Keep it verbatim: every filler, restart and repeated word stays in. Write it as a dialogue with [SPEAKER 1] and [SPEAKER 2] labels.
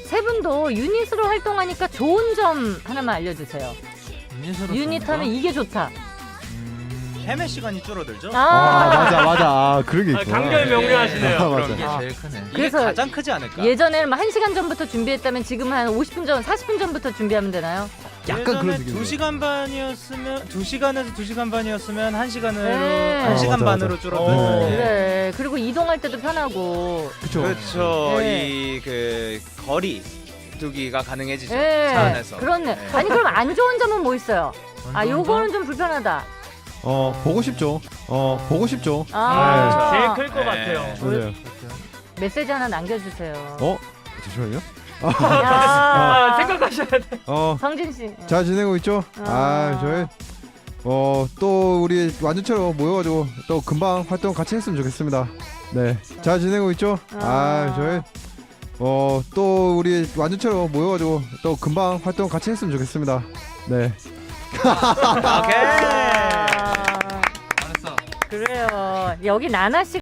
[SPEAKER 1] 세 분도 유닛으로 활동하니까 좋은 점 하나만 알려주세요.
[SPEAKER 2] 유닛으로
[SPEAKER 1] 유닛 하면 이게 좋다.
[SPEAKER 3] 헤매 시간이 줄어들죠?
[SPEAKER 1] 아,
[SPEAKER 4] 아 맞아 맞아. 아 그런 게
[SPEAKER 5] 아,
[SPEAKER 4] 있구나.
[SPEAKER 5] 강렬 명료하시네요.
[SPEAKER 4] 아,
[SPEAKER 5] 그런
[SPEAKER 4] 맞아.
[SPEAKER 5] 게.
[SPEAKER 2] 이게 제일 크네.
[SPEAKER 3] 이게
[SPEAKER 1] 그래서
[SPEAKER 3] 가장 크지 않을까?
[SPEAKER 1] 예전에는 한 시간 전부터 준비했다면 지금 한 오십 분 전, 사십 분 전부터 준비하면 되나요?
[SPEAKER 4] 약간 그런
[SPEAKER 3] 예전에
[SPEAKER 4] 느낌이에요.
[SPEAKER 3] 두 시간 반이었으면 두 시간에서 두 시간 반이었으면 한 시간으로
[SPEAKER 1] 네.
[SPEAKER 3] 한 시간
[SPEAKER 4] 아, 맞아,
[SPEAKER 3] 반으로
[SPEAKER 4] 맞아.
[SPEAKER 3] 줄어드는.
[SPEAKER 4] 어.
[SPEAKER 1] 그래. 그리고 이동할 때도 편하고.
[SPEAKER 4] 그쵸.
[SPEAKER 3] 그렇죠.
[SPEAKER 1] 네.
[SPEAKER 3] 이 그 거리 두기가 가능해지죠.
[SPEAKER 1] 예.
[SPEAKER 3] 차 안에서.
[SPEAKER 1] 그렇네.
[SPEAKER 3] 네.
[SPEAKER 1] 아니 그럼 안 좋은 점은 뭐 있어요? 아,
[SPEAKER 2] 완전
[SPEAKER 1] 요거는 좀 불편하다.
[SPEAKER 4] 어 보고 싶죠. 어 보고 싶죠.
[SPEAKER 1] 아,
[SPEAKER 5] 제일 클 것
[SPEAKER 3] 네.
[SPEAKER 5] 같아요.
[SPEAKER 4] 맞아요.
[SPEAKER 1] 메시지 하나 남겨주세요.
[SPEAKER 4] 어 잠시만요.
[SPEAKER 1] 야,
[SPEAKER 5] 아, 생각하셔야 돼.
[SPEAKER 4] 어.
[SPEAKER 1] 성진 씨.
[SPEAKER 4] 잘 지내고 있죠?
[SPEAKER 1] 아.
[SPEAKER 4] 아, 저희 어 또 우리 완전체로 모여가지고 또 금방 활동 같이 했으면 좋겠습니다. 네, 잘 지내고 있죠? 아,
[SPEAKER 1] 아.
[SPEAKER 4] 저희 어 또 우리 완전체로 모여가지고 또 금방 활동 같이 했으면 좋겠습니다. 네.
[SPEAKER 3] 오케이.
[SPEAKER 1] 아,
[SPEAKER 2] 알았어.
[SPEAKER 1] 그래요. 여기 나나 씨